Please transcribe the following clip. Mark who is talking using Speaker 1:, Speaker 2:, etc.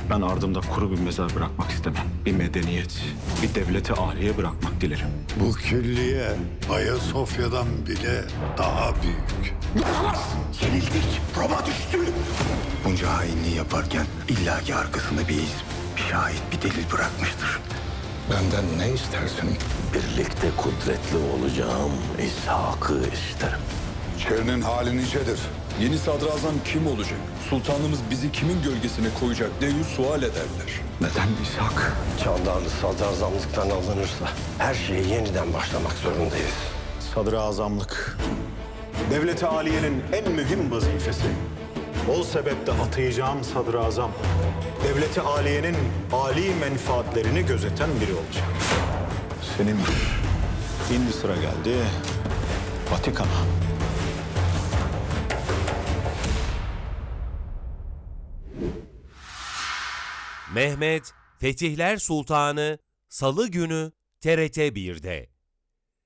Speaker 1: Ben ardımda kuru bir mezar bırakmak istemem. Bir medeniyet, bir devleti âliye bırakmak dilerim.
Speaker 2: Bu külliye Ayasofya'dan bile daha büyük.
Speaker 3: Yenildik. Roma düştü. Bunca hainliği yaparken illaki arkasında bir iz, bir şahit, bir delil bırakmıştır.
Speaker 4: Benden ne istersin?
Speaker 5: Birlikte kudretli olacağım İshak'ı isterim.
Speaker 4: Şerinin hali nicedir.
Speaker 6: Yeni sadrazam kim olacak? Sultanımız bizi kimin gölgesine koyacak diye sual ederler.
Speaker 1: Neden İshak?
Speaker 5: Çağdan sadrazamlıktan alınırsa her şeye yeniden başlamak zorundayız.
Speaker 7: Sadrazamlık. Devlet-i Aliye'nin en mühim vazifesi. O sebeple atayacağım sadrazam, Devlet-i Aliye'nin âli menfaatlerini gözeten biri olacak. Senin şimdi sıra geldi Vatikan'a.
Speaker 8: Mehmet Fetihler Sultanı Salı günü TRT 1'de.